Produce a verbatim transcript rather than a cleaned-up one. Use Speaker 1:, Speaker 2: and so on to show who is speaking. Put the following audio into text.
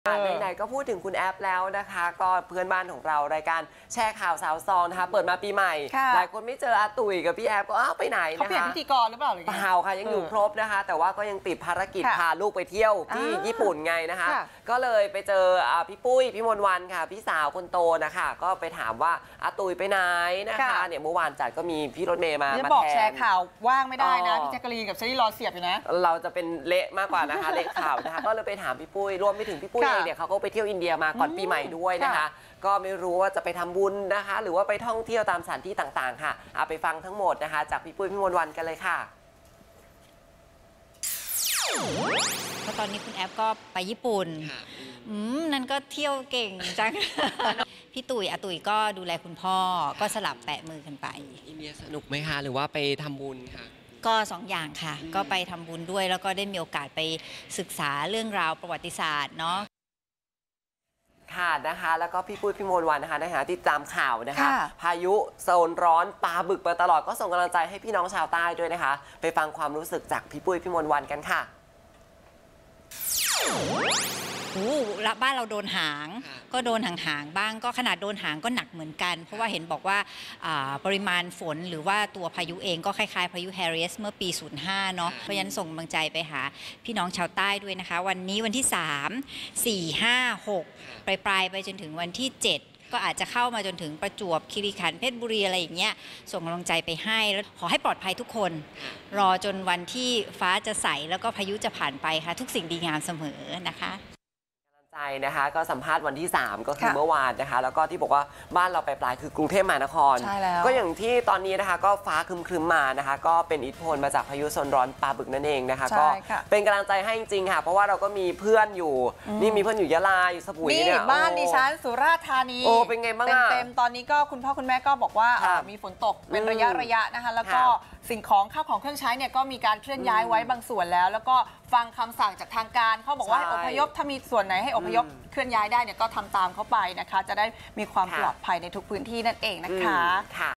Speaker 1: ไหนๆก็พูดถึงคุณแอปแล้วนะคะก็เพื่อนบ้านของเรารายการแชร์ข่าวสาวซองนะคะเปิดมาปีใหม่หลายคนไม่เจออาตุ๋ยกับพี่แอปก็อ้าวไปไหนนะคะเขา
Speaker 2: เปลี่ยนพิธีกรหรือเปล่าหรือเปล่า
Speaker 1: ค่ะยังอยู่ครบนะคะแต่ว่าก็ยังติดภารกิจพาลูกไปเที่ยวที่ญี่ปุ่นไงนะคะก็เลยไปเจอพี่ปุ้ยพี่มนต์วันค่ะพี่สาวคนโตนะคะก็ไปถามว่าอาตุ๋ยไปไหนนะคะเนี่ยเมื่อวานจัดก็มีพี่รถเมย์มามาแทนบอก
Speaker 2: แชร์ข่าวว่างไม่ได้นะพี่แจ๊กกะลีนกับเชอรี่รอเสียบอยู่นะ
Speaker 1: เราจะเป็นเละมากกว่านะคะเละข่าวนะคะก็เลยไปถามพี่ปุ้ยรวมไปถึงพี่ปุ้ยเองเนี่ยเขาก็ไปเที่ยวอินเดียมาก่อนปีใหม่ด้วยนะคะก็ไม่รู้ว่าจะไปทำบุญนะคะหรือว่าไปท่องเที่ยวตามสถานที่ต่างๆค่ะเอาไปฟังทั้งหมดนะคะจากพี่ปุ้ยพี่มนต์วันกันเลยค่ะ
Speaker 3: เพราะตอนนี้คุณแอปก็ไปญี่ปุ่นอืมนั่นก็เที่ยวเก่งจัง พี่ตุ๋ยอาตุ๋ยก็ดูแลคุณพ่อก็สลับแปะมือกันไป
Speaker 1: อินเดียสนุกไหมคะหรือว่าไปทำบุญค่ะ
Speaker 3: ก็สองอย่างค่ะก็ไปทำบุญด้วยแล้วก็ได้มีโอกาสไปศึกษาเรื่องราวประวัติศาสตร์เนาะ
Speaker 1: ค่ะนะคะแล้วก็พี่ปุ้ยพี่มนต์วันนะคะในฐานะที่ตามข่าวนะคะพายุโซนร้อนปลาบึกมาตลอดก็ส่งกำลังใจให้พี่น้องชาวใต้ด้วยนะคะไปฟังความรู้สึกจากพี่ปุ้ยพี่มนต์วันกันค่ะ
Speaker 3: โอ้ละบ้านเราโดนหางก็โดนหางๆบ้างก็ขนาดโดนหางก็หนักเหมือนกันเพราะว่าเห็นบอกว่าปริมาณฝนหรือว่าตัวพายุเองก็คล้ายๆพายุแฮริสเมื่อปีศูนย์ห้าเนาะเพราะฉะนั้นส่งกำลังใจไปหาพี่น้องชาวใต้ด้วยนะคะวันนี้วันที่สาม สี่ ห้า หกปลายปลายไปจนถึงวันที่เจ็ดก็อาจจะเข้ามาจนถึงประจวบคีรีขันธ์เพชรบุรีอะไรอย่างเงี้ยส่งกำลังใจไปให้แล้วขอให้ปลอดภัยทุกคนรอจนวันที่ฟ้าจะใสแล้วก็พายุจะผ่านไปค่ะทุกสิ่งดีงามเสมอนะคะ
Speaker 1: ใจนะคะก็สัมภาษณ์วันที่สามก็คือเมื่อวานนะคะแล้วก็ที่บอกว่าบ้านเราไปปลายคือกรุงเทพมหานครก็อย่างที่ตอนนี้นะคะก็ฟ้าครึมๆมานะคะก็เป็นอิทธิพลมาจากพายุโซนร้อนปลาบึกนั่นเองนะคะก็เป็นกำลังใจให้จริงๆค่ะเพราะว่าเราก็มีเพื่อนอยู่นี่มีเพื่อนอยู่ยะลาอยู่สมุยเนี่ย
Speaker 2: บ้านดิฉันสุราษฎร์ธานี
Speaker 1: โอ้เป็นไงบ้าง
Speaker 2: เต็มๆตอนนี้ก็คุณพ่อคุณแม่ก็บอกว่ามีฝนตกเป็นระยะระยะนะคะแล้วก็สิ่งของข้าวของเครื่องใช้เนี่ยก็มีการเคลื่อนย้ายไว้บางส่วนแล้วแล้วก็ฟังคำสั่งจากทางการเขาบอกว่าให้อพยพถ้ามีส่วนไหนให้อพยพเคลื่อนย้ายได้เนี่ยก็ทำตามเข้าไปนะคะจะได้มีความปลอดภัยในทุกพื้นที่นั่นเองนะคะ